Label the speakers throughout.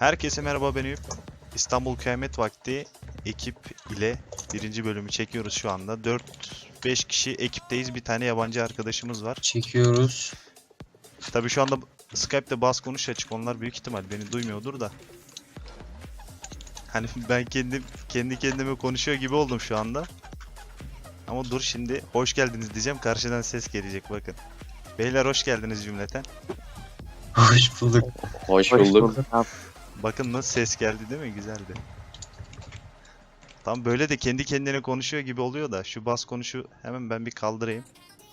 Speaker 1: Herkese merhaba, ben Eyüp. İstanbul Kıyamet Vakti ekip ile birinci bölümü çekiyoruz şu anda. 4-5 kişi ekipteyiz. Bir tane yabancı arkadaşımız var.
Speaker 2: Çekiyoruz.
Speaker 1: Tabii şu anda Skype'de bas konuş açık. Onlar büyük ihtimal beni duymuyordur da. Hani ben kendi kendime konuşuyor gibi oldum şu anda. Ama dur, şimdi hoş geldiniz diyeceğim. Karşıdan ses gelecek, bakın. Beyler hoş geldiniz cümleten.
Speaker 2: Hoş bulduk.
Speaker 3: Hoş bulduk.
Speaker 1: Bakın nasıl ses geldi, değil mi? Güzeldi. Tam böyle de kendi kendine konuşuyor gibi oluyor da şu bas konuşu hemen ben bir kaldırayım.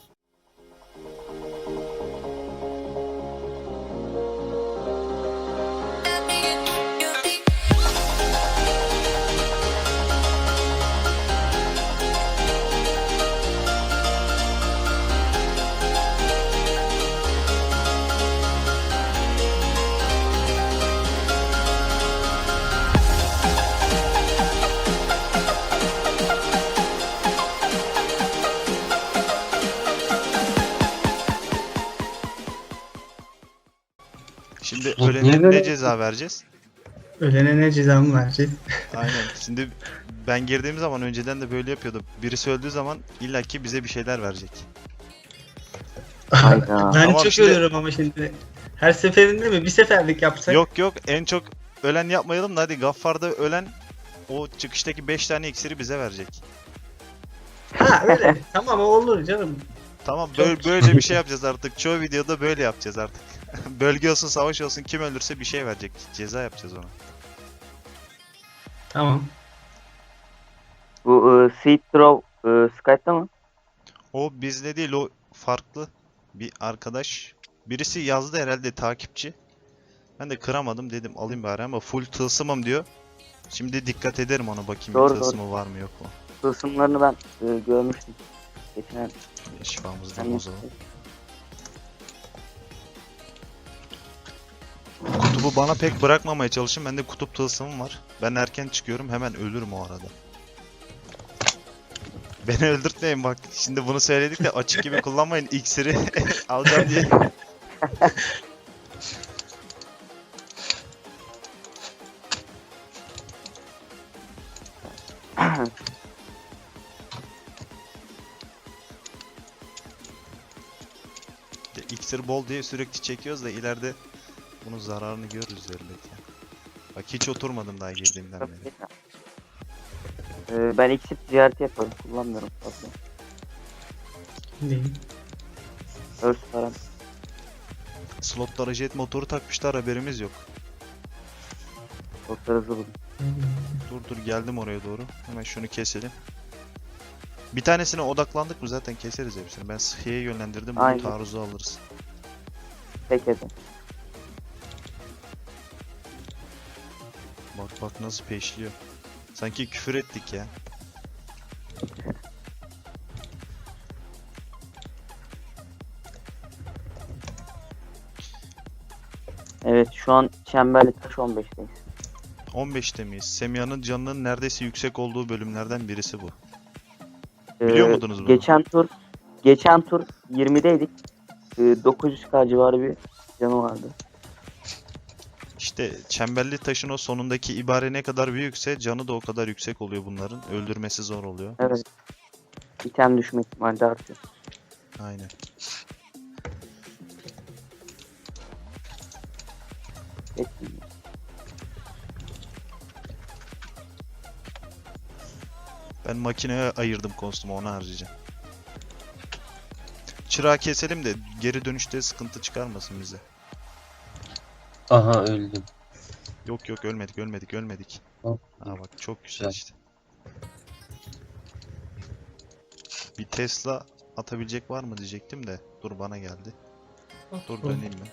Speaker 1: Şimdi
Speaker 2: Niye
Speaker 1: ölene
Speaker 2: böyle-
Speaker 1: ne ceza vereceğiz?
Speaker 4: Ölene ne cezamı vereceğiz?
Speaker 1: Aynen. Şimdi ben girdiğim zaman önceden de böyle yapıyordum. Birisi öldüğü zaman illaki bize bir şeyler verecek.
Speaker 3: Hayda.
Speaker 4: Ben
Speaker 1: Tamam,
Speaker 4: çok
Speaker 1: şimdi-
Speaker 4: ölüyorum ama şimdi. Her seferinde mi? Bir seferlik yapsak.
Speaker 1: Yok en çok ölen yapmayalım da hadi Gaffar'da ölen o çıkıştaki 5 tane iksiri bize verecek.
Speaker 4: Ha öyle. Tamam o olur canım.
Speaker 1: Tamam,
Speaker 4: Çok-
Speaker 1: böyle bir şey yapacağız artık. Çoğu videoda böyle yapacağız artık. Bölge olsun, savaş olsun, kim ölürse bir şey verecek. Ceza yapacağız ona.
Speaker 4: Tamam.
Speaker 3: Bu Seed Throw Skype'da mı?
Speaker 1: O bizde değil, o farklı bir arkadaş. Birisi yazdı herhalde, takipçi. Ben de kıramadım, dedim alayım bari ama full tılsımım diyor. Şimdi dikkat ederim ona, bakayım
Speaker 3: Doğru,
Speaker 1: bir tılsımı var mı yok mu.
Speaker 3: Tılsımlarını ben görmüştüm. Geçen
Speaker 1: Şifamızdan
Speaker 3: sen
Speaker 1: bozalım. Kutubu bana pek bırakmamaya çalışın. Bende kutup tılsımım var. Ben erken çıkıyorum, hemen ölürüm o arada. Beni öldürtmeyin bak. Şimdi bunu söyledik de açık gibi kullanmayın. İksiri alacağım diye. İksir bol diye sürekli çekiyoruz da ileride bunun zararını görürüz elbette. Bak hiç oturmadım daha girdiğimden beri.
Speaker 3: ben exit ziyaret yaparım. Kullanmıyorum fazla.
Speaker 4: Değil.
Speaker 3: Örs falan.
Speaker 1: Slotlara jet motoru takmışlar, haberimiz yok.
Speaker 3: Çok da hızlı bulun.
Speaker 1: Dur geldim oraya doğru. Hemen şunu keselim. Bir tanesine odaklandık mı zaten keseriz hepsini. Ben sıhhiye yönlendirdim. Bunu
Speaker 3: Aynen.
Speaker 1: taarruza alırız.
Speaker 3: Tek edin.
Speaker 1: Bak nasıl peşliyor. Sanki küfür ettik ya.
Speaker 3: Evet şu an Çemberli Taş 15'teyiz.
Speaker 1: 15'te miyiz? Semiha'nın canının neredeyse yüksek olduğu bölümlerden birisi bu. Biliyor muydunuz bunu?
Speaker 3: Geçen tur 20'deydik. 900k civarı bir canı vardı.
Speaker 1: İşte çemberli taşın o sonundaki ibare ne kadar büyükse canı da o kadar yüksek oluyor bunların. Öldürmesi zor oluyor.
Speaker 3: Evet. İtem düşme ihtimali de artıyor.
Speaker 1: Aynen.
Speaker 3: Peki.
Speaker 1: Ben makineye ayırdım kostümü, onu harcayacağım. Çırağı keselim de geri dönüşte sıkıntı çıkarmasın bize.
Speaker 2: Aha öldüm.
Speaker 1: Yok ölmedik.
Speaker 2: Hop.
Speaker 1: Aa bak çok güzel
Speaker 2: Güzel.
Speaker 1: işte. Bir Tesla atabilecek var mı diyecektim de dur bana geldi. Dur döneyim ben.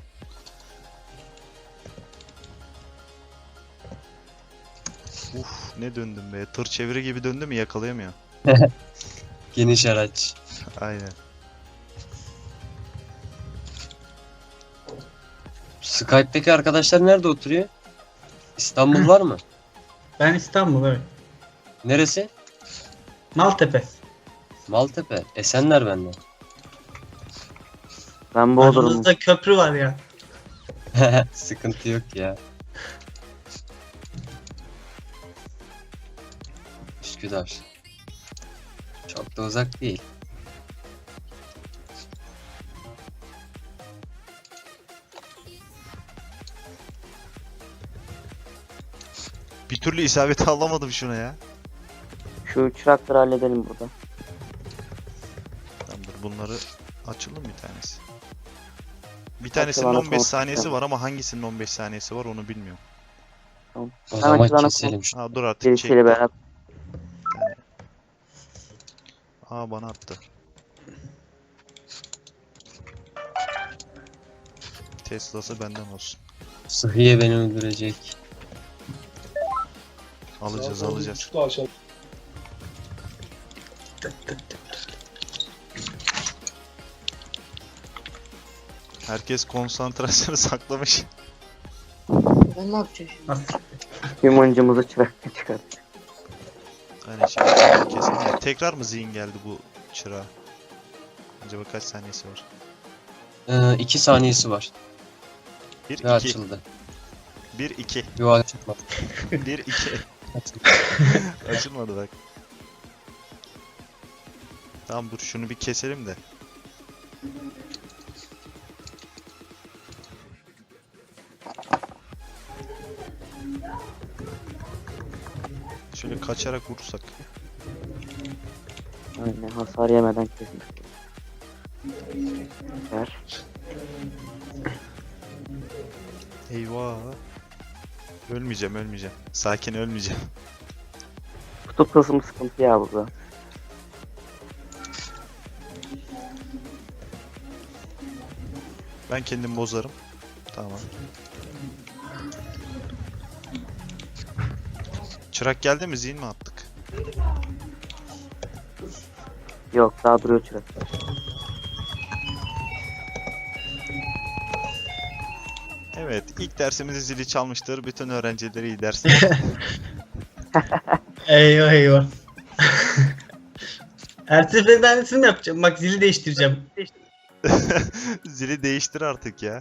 Speaker 1: Uf ne döndüm be. Tır çeviri gibi döndü mü yakalayamıyor.
Speaker 2: Geniş araç.
Speaker 1: Aynen.
Speaker 2: Skype'deki arkadaşlar nerede oturuyor? İstanbul var mı?
Speaker 4: Ben İstanbul evet.
Speaker 2: Neresi?
Speaker 4: Maltepe.
Speaker 2: Maltepe. Esenler bende.
Speaker 3: Ben Bodrum'um.
Speaker 4: Aramızda köprü var ya.
Speaker 2: Sıkıntı yok ya. Üsküdar. Çok da uzak değil.
Speaker 1: Bir türlü isabeti alamadım şuna ya.
Speaker 3: Şu çırakları halledelim burada.
Speaker 1: Tamamdır, bunları açalım bir tanesi. Bir tanesinin
Speaker 3: bana
Speaker 1: 15
Speaker 3: konuş
Speaker 1: saniyesi
Speaker 3: sen.
Speaker 1: var ama hangisinin 15 saniyesi var onu bilmiyorum.
Speaker 3: Tamam.
Speaker 2: O
Speaker 3: Sen
Speaker 2: zaman
Speaker 3: açılan
Speaker 2: keselim.
Speaker 1: Ha dur artık
Speaker 3: Birisiyle
Speaker 1: çekti.
Speaker 3: beraber.
Speaker 1: Aa bana attı. Tesla'sı benden olsun.
Speaker 2: Sıhhiye beni öldürecek.
Speaker 1: Alacağız
Speaker 5: Saat
Speaker 1: alacağız.
Speaker 5: 10.30'da açalım.
Speaker 1: Herkes konsantrasyonu saklamış.
Speaker 6: Ben ne yapacağım şimdi?
Speaker 4: Nasıl?
Speaker 3: Humancımızı çırakla çıkar.
Speaker 1: Aynen şimdi kesin. Tekrar mı zihin geldi bu çırağa? Acaba kaç saniyesi var?
Speaker 2: 2 saniyesi var.
Speaker 1: 1
Speaker 2: Ve
Speaker 1: 2
Speaker 2: açıldı.
Speaker 1: 1 2
Speaker 2: Yo açılmadı.
Speaker 1: 1 2
Speaker 2: Açıldı.
Speaker 1: Açılmadı bak. Tamam dur şunu bir keselim de. Şöyle kaçarak vurursak.
Speaker 3: Aynen hasar yemeden kesmiş. Ver.
Speaker 1: Eyvah. Ölmeyeceğim. Sakin ölmeyeceğim.
Speaker 3: Kutup tılsımı sıkıntı ya burada.
Speaker 1: Ben kendim bozarım. Tamam. Çırak geldi mi? Zihin mi attık?
Speaker 3: Yok daha duruyor çırak.
Speaker 1: Evet, ilk dersimizi zili çalmıştır. Bütün öğrencileri iyi dersler.
Speaker 4: Eyvah eyvah. Her seferinde aynısını yapacağım. Bak zili değiştireceğim.
Speaker 1: Zili değiştir artık ya.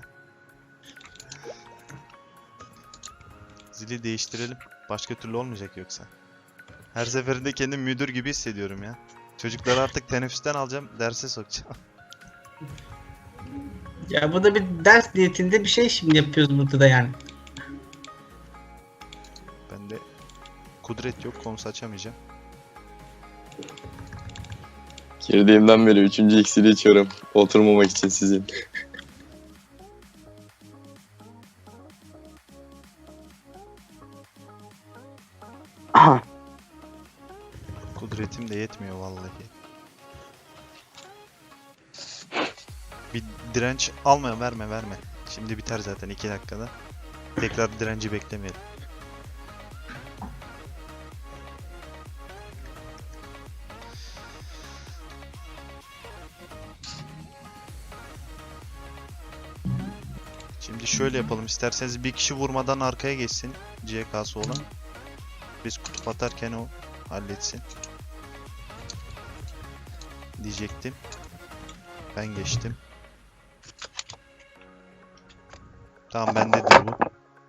Speaker 1: Zili değiştirelim. Başka türlü olmayacak yoksa. Her seferinde kendimi müdür gibi hissediyorum ya. Çocukları artık teneffüsten alacağım, derse sokacağım.
Speaker 4: Ya bu da bir ders niyetinde bir şey şimdi yapıyoruz burada da yani.
Speaker 1: Bende kudret yok, konusu açamayacağım.
Speaker 7: Girdiğimden beri 3. iksiri içiyorum. Oturmamak için sizin.
Speaker 1: Kudretim de yetmiyor vallahi. Bir direnç alma, verme. Şimdi biter zaten 2 dakikada. Tekrar direnci beklemeyelim. Şimdi şöyle yapalım isterseniz, bir kişi vurmadan arkaya geçsin CK'sı olan. Biz kutup atarken o halletsin. Diyecektim. Ben geçtim. Tamam bendedir bu.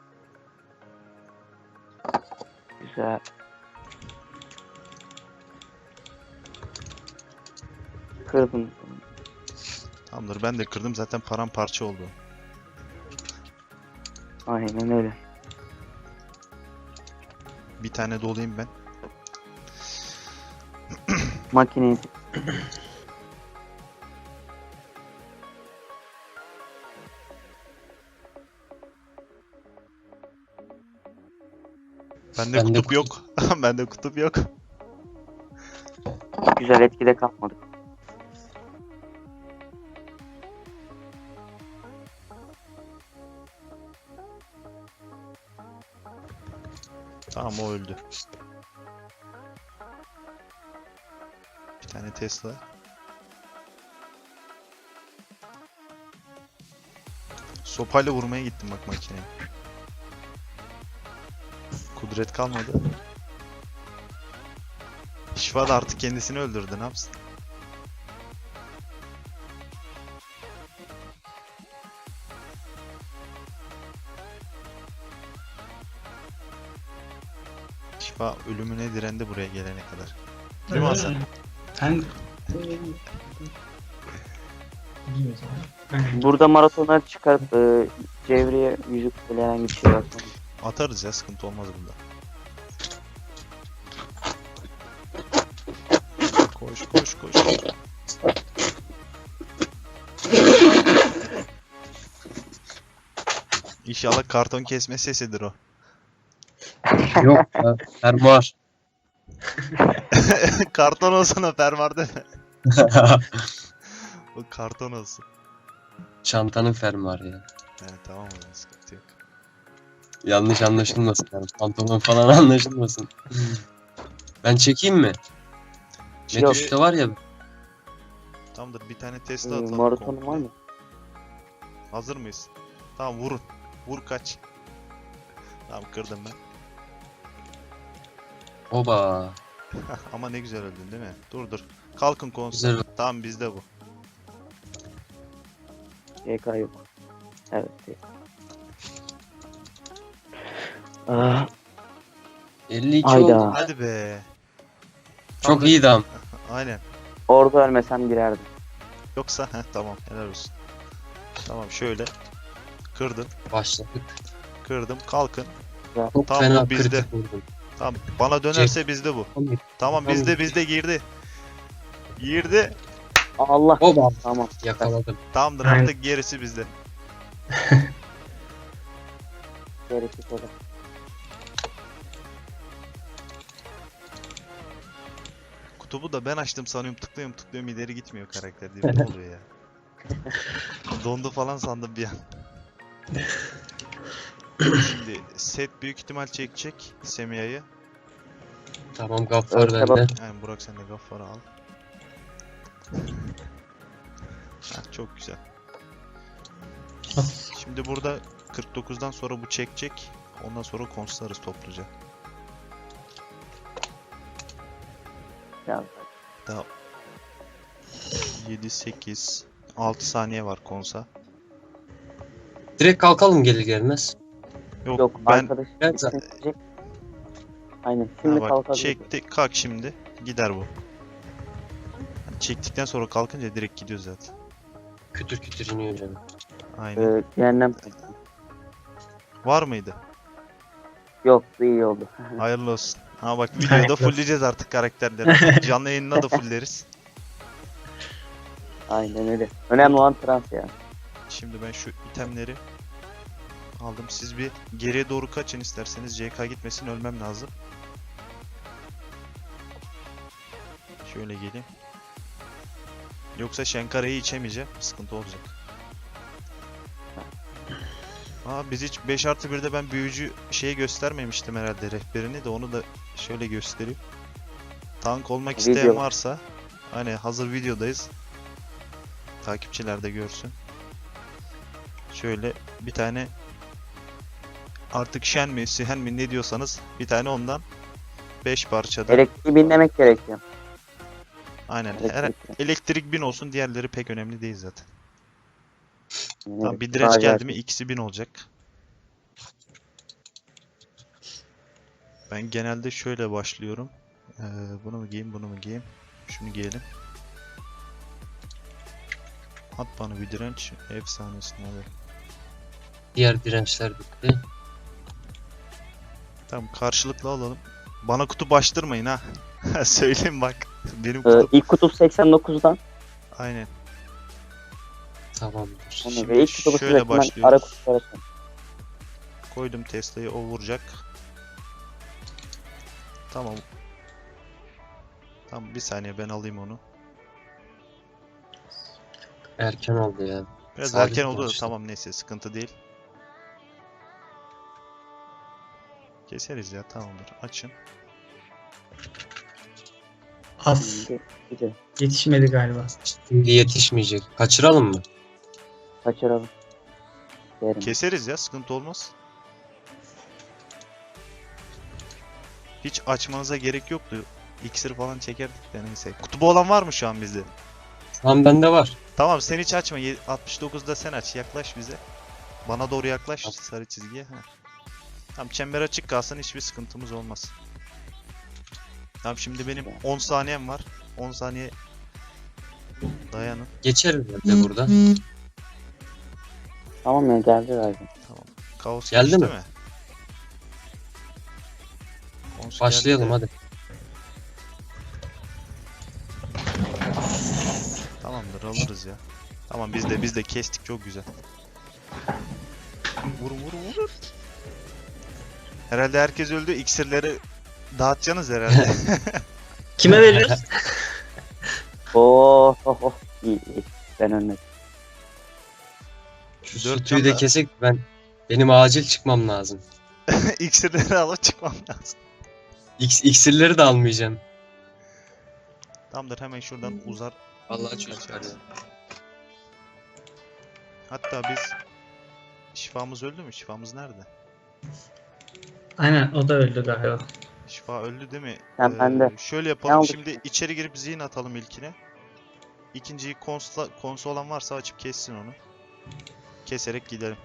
Speaker 3: Güzel. Kırdım.
Speaker 1: Tamamdır, ben de kırdım zaten, paramparça oldu.
Speaker 3: Aynen öyle.
Speaker 1: Bir tane dolayım ben.
Speaker 3: Makineyi
Speaker 1: Bende
Speaker 2: Bende
Speaker 1: kutup yok. Bende kutup yok.
Speaker 3: güzel etkide kalmadık.
Speaker 1: Tamam o öldü. Bir tane Tesla. Sopayla vurmaya gittim bak makineye. Kudret kalmadı. Şifa da artık kendisini öldürdü, ne yapsın? Şifa ölümüne direndi buraya gelene kadar. Değil mi Hasan?
Speaker 4: Ben İyi o zaman.
Speaker 3: Burada maratonlar çıkarıp çevreye yüzük böyle herhangi bir şey yapmam.
Speaker 1: Atarız ya, sıkıntı olmaz bunda. Koş koş koş. İnşallah karton kesme sesidir o.
Speaker 2: Yok ya. Fermuar.
Speaker 1: Karton olsun o, fermuar deme. O karton olsun.
Speaker 2: Çantanın fermuarı ya.
Speaker 1: Evet tamam, o zaman sıkıntı yok.
Speaker 2: Yanlış anlaşılmasın yani. Pantolon falan anlaşılmasın. Ben çekeyim mi?
Speaker 3: Yok.
Speaker 2: Metuş'ta var ya.
Speaker 1: Tamamdır, bir tane test atalım.
Speaker 3: Maratonun
Speaker 1: komple.
Speaker 3: var mı?
Speaker 1: Hazır mıyız? Tamam, vurun. Vur, kaç. Tamam, kırdım ben.
Speaker 2: Oba.
Speaker 1: Ama ne güzel öldün değil mi? Dur dur. Kalkın konser.
Speaker 2: Güzel.
Speaker 1: Tamam, bizde bu.
Speaker 3: YK yok. Evet değil. Ah,
Speaker 2: 52
Speaker 3: Hayda.
Speaker 2: oldu.
Speaker 1: Hadi be.
Speaker 2: Çok iyiydi ama.
Speaker 1: Aynen.
Speaker 3: orada ölmesem girerdim.
Speaker 1: Yoksa tamam, helal olsun. Tamam, şöyle. Kırdım.
Speaker 2: Başladık.
Speaker 1: Kırdım. Kalkın.
Speaker 2: Çok
Speaker 1: Tamam,
Speaker 2: fena
Speaker 1: bu bizde.
Speaker 2: kritik vurdum.
Speaker 1: Tamam, bana dönerse bizde bu. Tamam, bizde girdi. Girdi.
Speaker 3: Allah.
Speaker 2: Oba.
Speaker 3: Tamam.
Speaker 2: Yakaladım.
Speaker 1: Tamamdır,
Speaker 4: Aynen.
Speaker 1: artık gerisi bizde.
Speaker 3: Gerekli olur.
Speaker 1: Kutubu da ben açtım sanıyorum, tıklıyorum ileri gitmiyor karakter diye. Ne oluyor ya? Dondu falan sandım bir an. Şimdi set büyük ihtimal çekecek Semiha'yı.
Speaker 2: Tamam, Gaffar
Speaker 3: Evet,
Speaker 2: bende.
Speaker 3: tamam.
Speaker 1: Yani Burak, sen de Gaffar'ı al. Heh, çok güzel. Şimdi burada 49'dan sonra bu çekecek. Ondan sonra konslarız topluca.
Speaker 3: Ya,
Speaker 1: 7, 8, 6 saniye var konsa.
Speaker 2: Direkt kalkalım gelir gelmez.
Speaker 3: yok
Speaker 1: ben
Speaker 3: arkadaş.
Speaker 2: Ben zaten-
Speaker 3: Çekecek. Aynen.
Speaker 1: ha
Speaker 3: Şimdi
Speaker 1: bak,
Speaker 3: kalkabilir.
Speaker 1: çekti, kalk şimdi. Gider bu. Yani çektikten sonra kalkınca direkt gidiyor zaten.
Speaker 2: Kütür kütür iniyor canım.
Speaker 1: Aynen.
Speaker 3: Cehennem.
Speaker 1: Var mıydı?
Speaker 3: Yok, bu iyi oldu.
Speaker 1: Hayırlı olsun. Ha bak,
Speaker 4: Hayırlı
Speaker 1: videoda
Speaker 4: olsun.
Speaker 1: fullleyeceğiz artık karakterleri. Canlı yayınına da fullleriz.
Speaker 3: Aynen öyle. Önemli olan trans ya.
Speaker 1: Şimdi ben şu itemleri aldım. Siz bir geriye doğru kaçın isterseniz. CK gitmesin, ölmem lazım. Şöyle geleyim. Yoksa Şenkara'yı içemeyeceğim. Sıkıntı olacak. Biz hiç 5+1'de ben büyücü şeyi göstermemiştim herhalde, rehberini de, onu da şöyle göstereyim. Tank olmak isteyen
Speaker 3: Video.
Speaker 1: varsa, hani hazır videodayız. Takipçiler de görsün. Şöyle bir tane, artık Shen mi Sihen mi ne diyorsanız, bir tane ondan 5 parçada.
Speaker 3: Elektriği binlemek gerekiyor.
Speaker 1: Aynen.
Speaker 3: Elektrik.
Speaker 1: Elektrik 1000 olsun, diğerleri pek önemli değil zaten.
Speaker 3: Yani
Speaker 1: Tamam,
Speaker 3: evet,
Speaker 1: bir direnç
Speaker 3: sadece-
Speaker 1: geldi mi ikisi 1000 olacak. Ben genelde şöyle başlıyorum. Bunu mu giyeyim, bunu mu giyeyim? Şunu giyelim. At bana bir direnç. Efsanesin abi.
Speaker 2: Diğer dirençler bitti.
Speaker 1: Tamam, karşılıklı alalım. Bana kutu baştırmayın ha. Söyleyeyim bak. Benim kutu.
Speaker 3: İlk kutup 89'dan.
Speaker 1: Aynen.
Speaker 2: Tamamdır.
Speaker 1: Şimdi
Speaker 3: Ve ilk kutubu
Speaker 1: şöyle
Speaker 3: sürekli
Speaker 1: başlıyoruz.
Speaker 3: ara kutup arasında.
Speaker 1: Koydum Tesla'yı, o vuracak. Tamam. Tamam, bir saniye ben alayım onu.
Speaker 2: Erken oldu ya.
Speaker 1: Biraz
Speaker 2: Sabit
Speaker 1: erken oldu da
Speaker 2: başladı.
Speaker 1: tamam, neyse, sıkıntı değil. Keseriz ya, tamamdır. Açın.
Speaker 4: Az.
Speaker 3: Güzel.
Speaker 4: Yetişmedi galiba.
Speaker 2: Şimdi yetişmeyecek. Kaçıralım mı?
Speaker 3: Kaçıralım. Derim.
Speaker 1: Keseriz ya, sıkıntı olmaz. Hiç açmanıza gerek yoktu. İksir falan çekerdik de, neyse. Kutubu olan var mı şu an bizde?
Speaker 2: Tamam, bende var.
Speaker 1: Tamam, sen hiç açma. 69'da sen aç. Yaklaş bize. Bana doğru yaklaş, sarı çizgiye. Tamam, çember açık kalsın, hiçbir sıkıntımız olmaz. Tamam şimdi benim 10 saniyem var. 10 saniye dayanın.
Speaker 2: Geçerim ben de burada.
Speaker 3: Tamam ya geldi zaten.
Speaker 1: Kaos
Speaker 2: Geldi
Speaker 1: geçti
Speaker 2: mi?
Speaker 1: mi? Kaos
Speaker 2: Başlayalım
Speaker 1: geldi de.
Speaker 2: hadi.
Speaker 1: Tamamdır alırız ya. Tamam biz de kestik çok güzel. Vur. Herhalde herkes öldü. İksirleri dağıtacaksınız herhalde.
Speaker 4: Kime veriyoruz?
Speaker 3: Oh. İyi. Ben önledim.
Speaker 2: Şu
Speaker 1: Dört
Speaker 2: sütüyü de
Speaker 1: can da-
Speaker 2: kesek benim acil çıkmam lazım.
Speaker 1: İksirleri alıp çıkmam lazım.
Speaker 2: İksirleri de almayacağım.
Speaker 1: Tamamdır hemen şuradan uzar.
Speaker 2: Vallahi çocuklar ya.
Speaker 1: Hatta biz şifamız öldü mü? Şifamız nerede?
Speaker 4: Aynen o da öldü galiba.
Speaker 1: Şifa öldü değil mi?
Speaker 3: Sen bende.
Speaker 1: Şöyle
Speaker 3: Ne
Speaker 1: yapalım.
Speaker 3: oldu
Speaker 1: Şimdi içeri girip zihin atalım ilkine. İkinciyi konsu olan varsa açıp kessin onu. Keserek gidelim.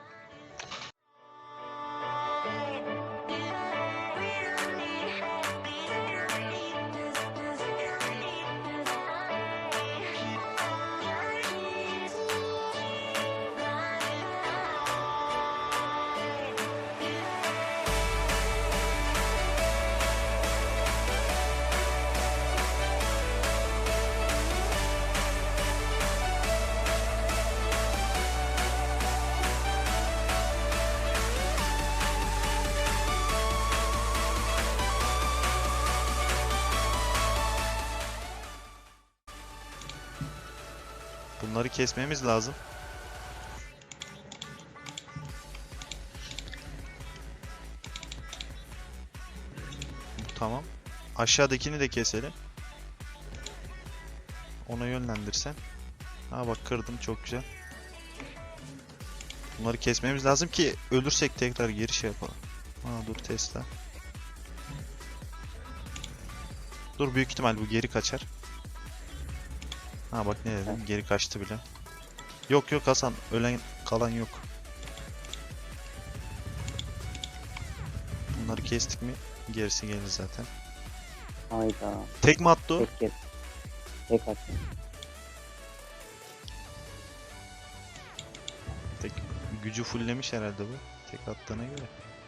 Speaker 1: Bunları kesmemiz lazım. Tamam. Aşağıdakini de keselim. Ona yönlendirsen. Ha bak kırdım çok güzel. Bunları kesmemiz lazım ki ölürsek tekrar geri şey yapalım. Ha dur Tesla. Dur büyük ihtimal bu geri kaçar. Ha bak ne dedim geri kaçtı bile. Yok Hasan ölen kalan yok. Bunları kestik mi gerisi gelir zaten.
Speaker 3: Hayda.
Speaker 1: Tek mi attı o?
Speaker 3: Tek attım.
Speaker 1: Tek gücü fulllemiş herhalde bu. Tek attığına göre.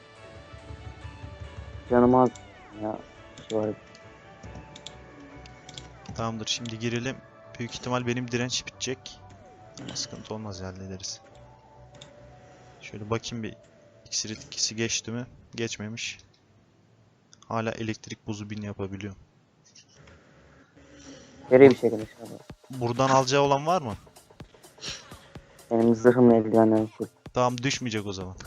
Speaker 3: Canım az. Ya. Şu var.
Speaker 1: Tamamdır şimdi girelim. Büyük ihtimal benim direnç bitecek. Ama sıkıntı olmaz hallederiz. Şöyle bakayım bir iksir etkisi geçti mi? Geçmemiş. Hala elektrik buzu bin yapabiliyor.
Speaker 3: Nereye bir şey demiş abi.
Speaker 1: Buradan alacağı olan var mı?
Speaker 3: Benim zırhımla eldivenlerim full.
Speaker 1: Tamam düşmeyecek o zaman.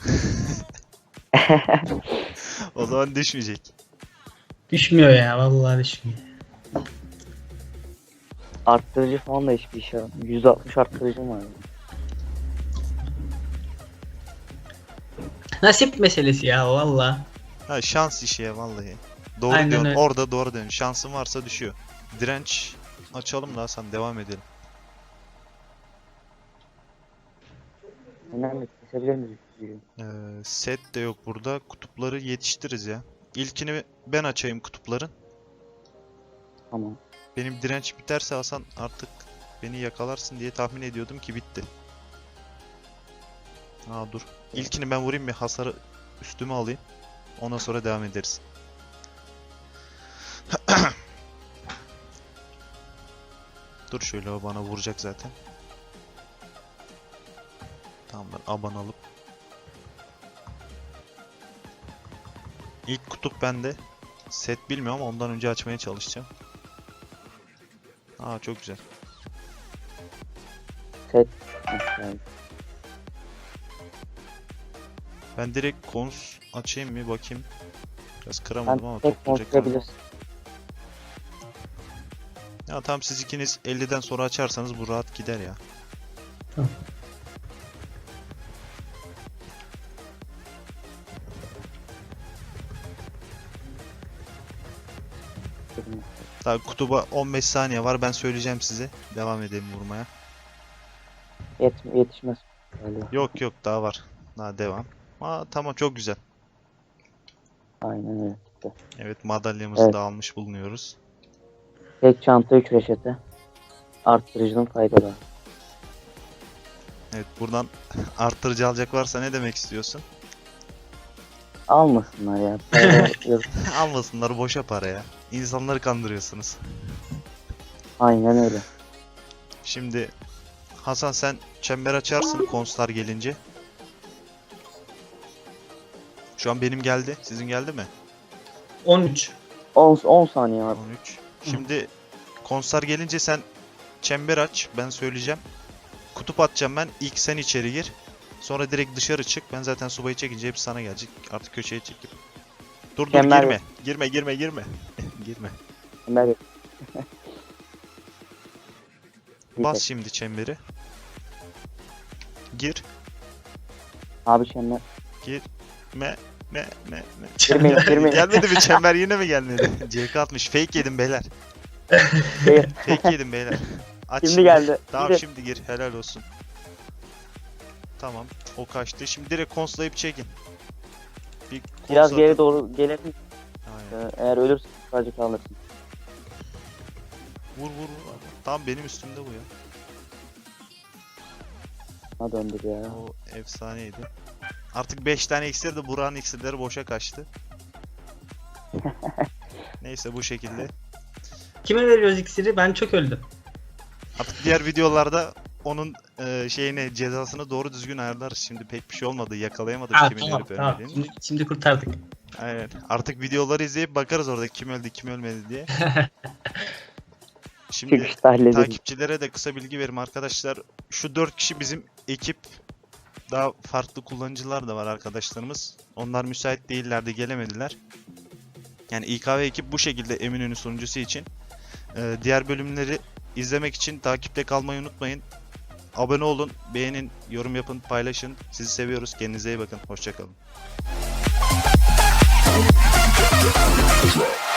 Speaker 1: O zaman düşmeyecek.
Speaker 4: Düşmüyor ya vallahi düşmüyor.
Speaker 3: Arttırıcı falan da hiçbir işe yaramıyor. 160 arttırıcım var.
Speaker 4: Nasip meselesi ya vallahi.
Speaker 1: Ha şans işi ya vallahi. Doğru
Speaker 4: Aynen
Speaker 1: diyorsun.
Speaker 4: öyle.
Speaker 1: Orada doğru diyorsun. Şansın varsa düşüyor. Direnç açalım da Hasan devam edelim.
Speaker 3: Önemli. Kesebilir miyiz?
Speaker 1: Set de yok burada. Kutupları yetiştiririz ya. İlkini ben açayım kutupların.
Speaker 3: Tamam.
Speaker 1: Benim direnç biterse Hasan artık beni yakalarsın diye tahmin ediyordum ki bitti. Aa dur. İlkini ben vurayım bir hasarı üstüme alayım. Ondan sonra devam ederiz. Dur şöyle o bana vuracak zaten. Tamam ben aban alıp. İlk kutup bende. Set bilmiyorum ama ondan önce açmaya çalışacağım. Aa çok güzel.
Speaker 3: Set. Yani.
Speaker 1: Ben direkt kons açayım mı bakayım. Biraz
Speaker 3: Sen
Speaker 1: kıramadım ama
Speaker 3: tek
Speaker 1: toplayacak galiba.
Speaker 3: konuşabilirsin.
Speaker 1: Ya tamam siz ikiniz 50'den sonra açarsanız bu rahat gider ya.
Speaker 4: Tamam.
Speaker 1: Daha kutuba 15 saniye var ben söyleyeceğim size. Devam edelim vurmaya.
Speaker 3: Yetişmez. Öyle.
Speaker 1: Yok daha var. Daha devam. Aa tamam çok güzel.
Speaker 3: Aynen öyle. reçete.
Speaker 1: Evet, madalyamızı
Speaker 3: Evet.
Speaker 1: da almış bulunuyoruz.
Speaker 3: Tek çanta 3 reçete. Arttırıcının faydaları.
Speaker 1: Evet, buradan arttırıcı alacak varsa ne demek istiyorsun?
Speaker 3: Almasınlar ya. Para yok.
Speaker 1: Almasınlar, boşa para ya. İnsanları kandırıyorsunuz.
Speaker 3: Aynen öyle.
Speaker 1: Şimdi Hasan, sen çember açarsın konstar gelince. Şu an benim geldi. Sizin geldi mi?
Speaker 4: 13.
Speaker 3: 10 saniye abi.
Speaker 1: 13. Şimdi konstar gelince sen çember aç. Ben söyleyeceğim. Kutup atacağım ben. İlk sen içeri gir. Sonra direkt dışarı çık. Ben zaten subayı çekince hepsi sana gelecek. Artık köşeye çekip. Dur
Speaker 3: Çember
Speaker 1: girme.
Speaker 3: yok.
Speaker 1: Girme. Girme.
Speaker 3: Ömer Bey.
Speaker 1: Bas şimdi çemberi. Gir.
Speaker 3: Abi çember.
Speaker 1: Me.
Speaker 3: Girmeyin.
Speaker 1: Gelmedi mi çember, yine mi gelmedi? CK atmış. Fake yedim beyler.
Speaker 3: Şey,
Speaker 1: Fake yedim beyler. Aç
Speaker 3: Şimdi geldi.
Speaker 1: Tamam,
Speaker 3: Gidin.
Speaker 1: şimdi gir. Helal olsun. Tamam. O kaçtı. Şimdi direkt konslayıp çekin. Bir
Speaker 3: Biraz
Speaker 1: konsla-
Speaker 3: geri doğru gelelim.
Speaker 1: Aynen.
Speaker 3: Eğer ölürsün sadece kalırsın.
Speaker 1: Vur. Tam benim üstümde bu ya.
Speaker 3: Ha döndür ya.
Speaker 1: O efsaneydi. Artık 5 tane iksir de Burak'ın iksirleri boşa kaçtı. Neyse, bu şekilde.
Speaker 4: Kime veriyoruz iksiri? Ben çok öldüm.
Speaker 1: Artık diğer videolarda onun şeyini, cezasını doğru düzgün ayarlarız. Şimdi pek bir şey olmadı. Yakalayamadım
Speaker 4: Ha,
Speaker 1: kimin
Speaker 4: tamam
Speaker 1: ölüp
Speaker 4: tamam.
Speaker 1: ölmediğini.
Speaker 4: Şimdi kurtardık.
Speaker 1: Aynen. Artık videoları izleyip bakarız orada kim öldü kim ölmedi diye. Şimdi
Speaker 3: Çıkışta halledelim.
Speaker 1: takipçilere de kısa bilgi verim arkadaşlar. Şu 4 kişi bizim ekip. Daha farklı kullanıcılar da var arkadaşlarımız. Onlar müsait değillerdi, gelemediler. Yani İKV ekip bu şekilde Eminönü sunucusu için. Diğer bölümleri izlemek için takipte kalmayı unutmayın. Abone olun, beğenin, yorum yapın, paylaşın. Sizi seviyoruz. Kendinize iyi bakın. Hoşça kalın.